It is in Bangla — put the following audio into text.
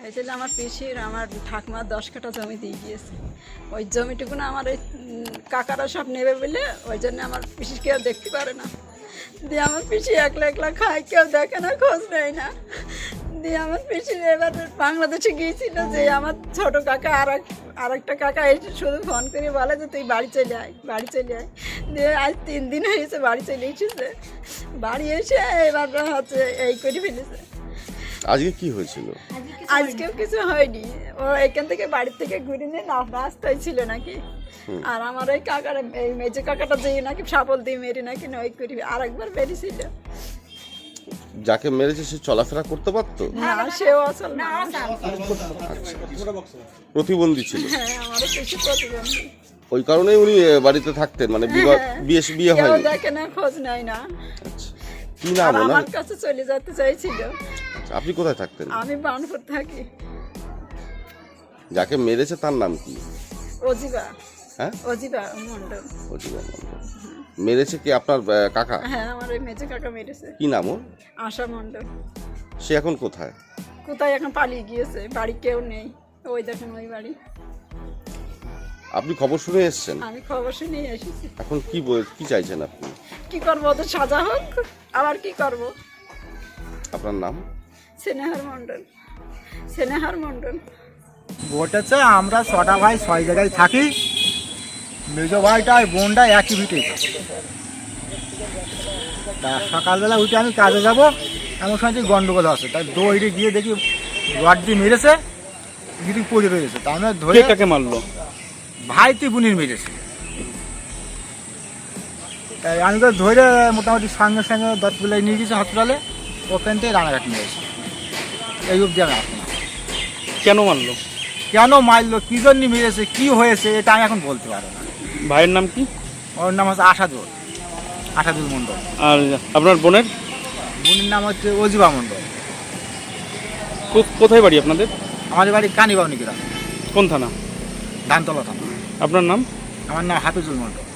এই জন্য আমার পিসির আমার ঠাকুমার 10 কাঠা জমি দিয়ে গিয়েছে। ওই জমিটুকু না আমার এই কাকারা সব নেবে বলে ওই জন্য আমার পিসি কেউ দেখতে পারে না। দিয়ে আমার পিসি একলা একলা খায়, কেউ দেখে না, খোঁজ নেয় না। দিয়ে আমার পিসি এবার বাংলাদেশে গিয়েছিল যে আমার ছোট কাকা আরেকটা কাকা এসে শুধু ফোন করে বলে যে তুই বাড়ি চলে আয়, বাড়ি চলে আয়। দিয়ে আজ 3 দিন হয়েছে বাড়ি চলে এসেছে। বাড়ি এসে এবার হচ্ছে এই করে ফেলেছে। আজকে কি হয়েছিল? আজকেও কিছু হয়নি। ও এখান থেকে বাড়ির থেকে ঘুরে নিয়ে রাস্তায় ছিল নাকি। আর আমার ওই কাকার এই মেজে কাকাটা যে নাকি সাপল দিয়ে মেরে নাকি ওই করি আরেকবার বেরিয়েছিল। যাকে মেরেছে সে চলাফেরা করতে পারতো? না, সেও আসল না। প্রতিবন্ধী ছিল? হ্যাঁ, আমারও কিছু প্রতিবন্ধী। ওই কারণেই উনি বাড়িতে থাকতেন, মানে বিয়ে কেউ হয়নি? দেখে না, খোঁজ নেয় না। আচ্ছা, কি নাম আর ওনার? আমার কাছে চলে যেতে চাইছিল। আচ্ছা, আপনি কোথায় থাকতেন? আমি বানপুর থাকি। যাকে মেরেছে তার নাম কি? অজিবা। হ্যাঁ, অজিবা মন্ডল। অজিবা মণ্ডল। মেরেছে কি আপনার কাকা? হ্যাঁ, আমার ওই মেজে কাকা মেরেছে। কি নাম ওর? আশা মন্ডল। সে এখন কোথায়? কোথায় এখন পালিয়ে গিয়েছে, বাড়ি কেউ নেই। ওই দেখেন ওই বাড়ি। আপনি খবর শুনে এসেছেন? আমি খবর শুনে এসেছি। এখন কি চাইছেন আপনি? কি করবো, ওদের সাজা হোক, আবার কি করব। আপনার নাম? স্নেহার মন্ডল। স্নেহার মন্ডল। ঘটেছে আমরা 6টা ভাই 6 জায়গায় থাকি। মেজো ভাইটা আর বোনটা একই ভিটে। তা সকালবেলা উঠে আমি কাজে যাব, এমন সময় যে গন্ডগোল আছে, তাই দৌড়ে গিয়ে দেখি রড দিয়ে মেরেছে, গিরি পড়ে রয়েছে। তা আমরা ধরে কাকে মারলো? ভাই তুই বুনির মেরেছে। তাই আমি তো ধরে মোটামুটি সঙ্গে সঙ্গে 10 বেলায় নিয়ে গেছি হসপিটালে, ওখান থেকে রানাঘাট নিয়েছি। এই অবধি আমি আসলাম। কেন মারলো? কেন মারলো, কী জন্য মেরেছে, কী হয়েছে, এটা আমি এখন বলতে পারবো না। ভাইয়ের নাম কি? ওর নাম হচ্ছে আশাদুল মণ্ডল। আর আপনার বোনের? বোনের নাম হচ্ছে অজিবা মণ্ডল। কোথায় বাড়ি আপনাদের? আমাদের বাড়ি কানিবাউনি গ্রাম, কোন থানা? ধানতলা থানা। আপনার নাম? আমার নাম হাফিজুল মণ্ডল।